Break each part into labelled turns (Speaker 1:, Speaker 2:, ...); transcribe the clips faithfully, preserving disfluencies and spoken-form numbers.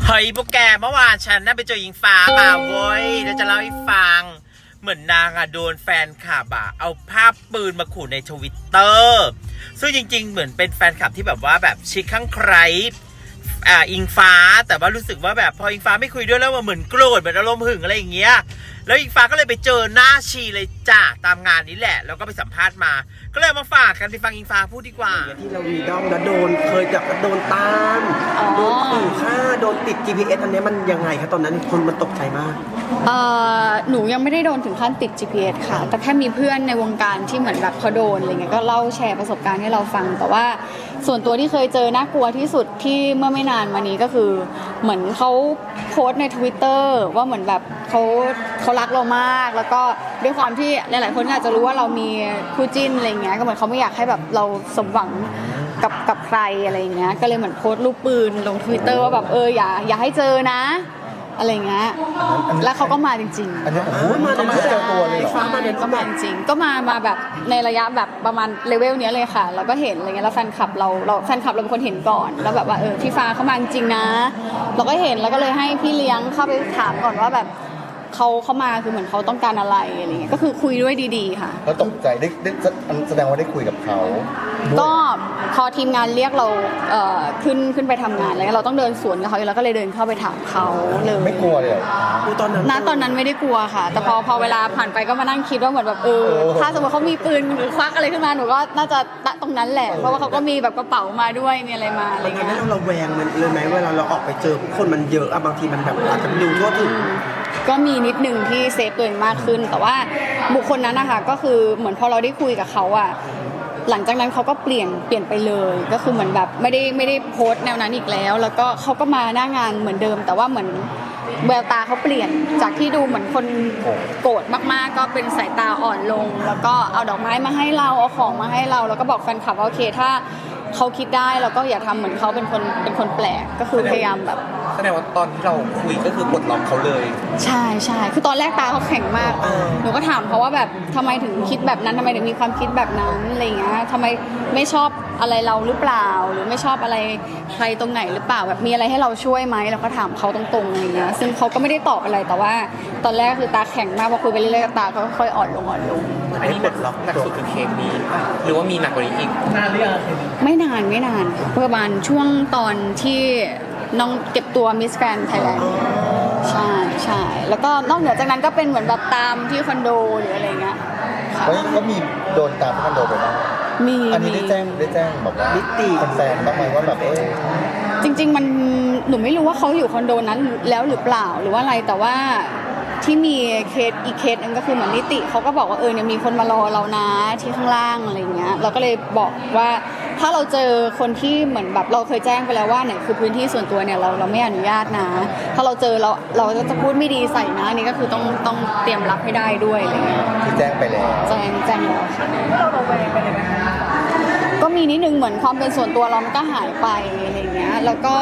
Speaker 1: เฮ้ยพวกแกเมื่อวานฉันน่าไปเจอหญิงฟ้ามาเว้ยเดี๋ยวจะเล่าให้ฟังเหมือนนางอะโดนแฟนคลับอะเอาภาพปืนมาขู่ในทวิตเตอร์ซึ่งจริงๆเหมือนเป็นแฟนคลับที่แบบว่าแบบชิคข้างใครอ่าอิงฟ้าแต่ว่ารู้สึกว่าแบบพออิงฟ้าไม่คุยด้วยแล้วมันเหมือนโกรธเหมือนอารมณ์หึงอะไรอย่างเงี้ยแล้วอิงฟ้าก็เลยไปเจอหน้าชีเลยจ้าตามงานนี้แหละแล้วก็ไปสัมภาษณ์มาก็เลยมาฝากกันไปฟังอิงฟ้าพูดดีกว่า
Speaker 2: ที่เราวีดอมแล้วโดนเคยจับโดนตามโดนขู่ฆ่าโดนติด จี พี เอส อันนี้มันยังไงครับตอนนั้นคนมันตกใจมาก
Speaker 3: เอ่อหนูยังไม่ได้โดนถึงขั้นติด จี พี เอส ค่ะแต่แค่มีเพื่อนในวงการที่เหมือนแบบเขาโดนอะไรเงี้ยก็เล่าแชร์ประสบการณ์ให้เราฟังแต่ว่าส่วนตัวที่เคยเจอน่ากลัวที่สุดที่เมื่อไม่นานมานี้ก็คือเหมือนเขาโพสต์ใน Twitter ว่าเหมือนแบบเขาเขารักเรามากแล้วก็ด้วยความที่หลายๆคนอาจจะรู้ว่าเรามีคู่จิ้นอะไรเงี้ยก็เหมือนเขาไม่อยากให้แบบเราสมหวังกับกับใครอะไรเงี้ยก็เลยเหมือนโพสต์รูปปืนลง Twitter ว่าแบบเอออย่าอย่าให้เจอนะอะไรเงี้ยแล้วเขาก็มาจริงๆ
Speaker 4: อันนี้โอ้โหมาเจอตัวเลยเหรอ
Speaker 3: ฟ้ามาเดินก็มาจริงๆก็มามาแบบในระยะแบบประมาณเลเวลนี้เลยค่ะแล้วก็เห็นอะไรเงี้ยแล้วแฟนคลับเราเราแฟนคลับเราเป็นคนเห็นก่อนแล้วแบบว่าเออพี่ฟ้าเขามาจริงนะเราก็เห็นแล้วก็เลยให้พี่เลี้ยงเข้าไปถามก่อนว่าแบบเขาเขามาคือเหมือนเขาต้องการอะไรอะไรเงี้ยก็คือคุยด้วยดีๆค่ะ
Speaker 4: แล้วตกใจได้ได้แสดงว่าได้คุยกับเขา
Speaker 3: ก็พอทีมงานเรียกเราเอ่อขึ้นขึ้นไปทำงานแล้วเราต้องเดินสวนกับเขาแล้วก็เลยเดินเข้าไปถามเขาเลย
Speaker 4: ไม่กลัวเลย
Speaker 2: ตอนนั้น
Speaker 3: ณตอนนั้นไม่ได้กลัวค่ะแต่พอพอเวลาผ่านไปก็มานั่งคิดว่าเหมือนแบบเออถ้าสมมติเขามีปืนหรือควักอะไรขึ้นมาหนูก็น่าจะตะตรงนั้นแหละเพราะว่าเขาก็มีแบบกระเป๋ามาด้วยมีอะไรมาอะไรเงี้ย
Speaker 2: เราเราแวงมันเลยไหมเวลาเราออกไปเจอคนมันเยอะอะบางทีมันแบบอาจจะดูทั่วถึง
Speaker 3: ก็มีนิดนึงที่เซฟตัวเองมากขึ้นแต่ว่าบุคคลนั้นนะคะก็คือเหมือนพอเราได้คุยกับเขาอะหลังจากนั้นเขาก็เปลี่ยนเปลี่ยนไปเลยก็คือเหมือนแบบไม่ได้ไม่ได้โพสต์แนวนั้นอีกแล้วแล้วก็เขาก็มาหน้างานเหมือนเดิมแต่ว่าเหมือนแววตาเขาเปลี่ยนจากที่ดูเหมือนคนโกรธมากๆก็เป็นสายตาอ่อนลงแล้วก็เอาดอกไม้มาให้เราเอาของมาให้เราแล้วก็บอกแฟนคลับว่าโอเคถ้าเขาคิดได้แล้วก็อย่าทำเหมือนเขาเป็นคนเป็นคนแปลกก็คือพยายามแบบ
Speaker 1: แสดงว่าตอนที่เราคุยก็คือกดล็อกเขาเลย
Speaker 3: ใช่ใช่คือตอนแรกตาเขาแข็งมากหนูก็ถามเขาว่าแบบทำไมถึงคิดแบบนั้นทำไมถึงมีความคิดแบบนั้นอะไรเงี้ยทำไมไม่ชอบอะไรเราหรือเปล่าหรือไม่ชอบอะไรใครตรงไหนหรือเปล่าแบบมีอะไรให้เราช่วยไหมเราก็ถามเขาตรงๆอะไรเงี้ยซึ่งเขาก็ไม่ได้ตอบอะไรแต่ว่าตอนแรกคือตาแข็งมากพอคุยไปเรื่อยๆตาเขาค่อยอ่อนลงอ่อนลง
Speaker 1: อันนี้หนักหนักสุดคือเคสนี้หรือว่ามีหนักกว่านี้อีกนานหรือยัง
Speaker 3: ไม่นานไม่นานประมาณช่วงตอนที่น้องเก็บตัวมิสแกรนด์ไทยแลนด์ใช่ใช่แล้วก็นอกเหนือจากนั้นก็เป็นเหมือนแบบตามที่คอนโดหรืออะไรเงี้ย
Speaker 4: ก็มีโดนตามที่คอนโดไปบ้าง
Speaker 3: มี
Speaker 4: อันนี้ได้แจ้งได้แจ้งแบบว่า
Speaker 2: นิติ
Speaker 4: แฟนบ้างไหมว่าแบบเออ
Speaker 3: จริงๆมันหนูไม่รู้ว่าเขาอยู่คอนโดนั้นแล้วหรือเปล่าหรือว่าอะไรแต่ว่าที่มีเคสอีกเคสนึงก็คือเหมือนนิติเขาก็บอกว่าเออเนี่ยมีคนมารอเรานะที่ข้างล่างอะไรเงี้ยเราก็เลยบอกว่าถ้าเราเจอคนที่เหมือนแบบเราเคยแจ้งไปแล้วว่าเนี่ยคือพื้นที่ส่วนตัวเนี่ยเราเราไม่อนุญาตนะถ้าเราเจอเราเราจะพูดไม่ดีใส่นะนี่ก็คือต้องต้องเตรียมรับให้ได้ด้วยอะไรเงี้ย
Speaker 4: ที่แจ้งไปแล้ว
Speaker 3: แจ้งแจ้งแล้วค่ะเราเราแวงไปเลยไหมก็มีนิดนึงเหมือนความเป็นส่วนตัวเรามันก็หายไปอะไรเงี้ยแล้วก็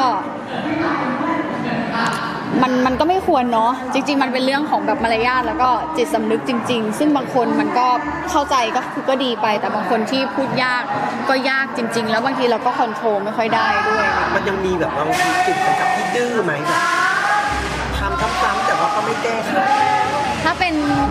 Speaker 3: มันมันก็ไม่ควรเนาะจริงๆมันเป็นเรื่องของแบบมารยาทแล้วก็จิตสำนึกจริงๆซึ่งบางคนมันก็เข้าใจก็คือก็ดีไปแต่บางคนที่พูดยากก็ยากจริงๆแล้วบางทีเราก็คอนโทรลไม่ค่อยได้ด้วย
Speaker 2: มันยังมีแบบบางทีจุดกระกับที่ดื้อไหมแบบทำซ้ำๆแต่ว่าก็ไม่แก้ไข
Speaker 3: ถ้าเป็น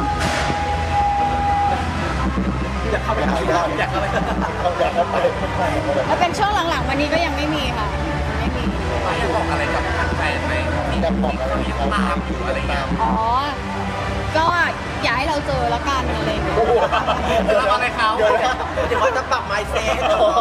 Speaker 2: อยากเข้าไปหาอยากเข้าไป
Speaker 4: อยากเข้าไป
Speaker 3: ถ้าเป็นช่วงหลังๆวันนี้ก็ยังไม่มีค่ะไม่มี
Speaker 1: อยากบอกอะไรกับทางแฟนไหมมีบอกอะไรตามอยู่อะไรอย่างเงี้ย
Speaker 3: อ๋อก็อย่าให้เราเจอแล้วกันอะไรอย่างเงี้ย
Speaker 1: เราอะไรเขา
Speaker 2: เดี๋ยวว่าจะปรับไมซ์เซ็ต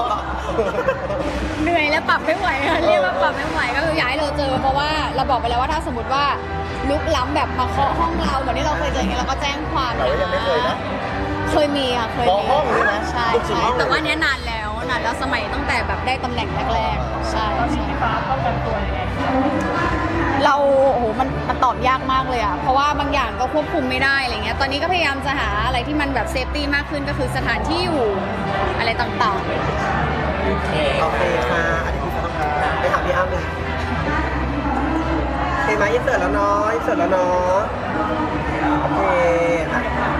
Speaker 3: เหนื่อยแล้วปรับไม่ไหวเรียกว่าปรับไม่ไหวก็คืออย่าให้เราเจอเพราะว่าเราบอกไปแล้วว่าถ้าสมมติว่าลุกล้ำแบบมาเคาะห้องเราเหมือนที่เราเคยเจออย่างเงี้ยเราก็แจ้งความ
Speaker 4: แต่ว่ายังไม่เคยนะ
Speaker 3: เคยมีค่ะเคยมี
Speaker 4: ห้องเลยนะ
Speaker 3: ใช่ใช่แต่ว่านี้นานแล้วนานแล้วสมัยตั้งแต่แบบได้ตำแหน่งแรกๆใช่ตอนนี้พี่ฟ้าป้องกันตัวยังไงเราโอ้โหมันมันตอบยากมากเลยอ่ะเพราะว่าบางอย่างก็ควบคุมไม่ได้อะไรเงี้ยตอนนี้ก็พยายามจะหาอะไรที่มันแบบเซฟตี้มากขึ้นก็คือสถานที่อยู่อะไรต่าง
Speaker 2: ๆโอเคโอเคค่ะอันนี้พี่ฟ้าไปถามพี่อ้ำเลยเห็นไหมยิ่งเสร็จแล้วเนาะยิ่งเสร็จแล้วเนาะโอเค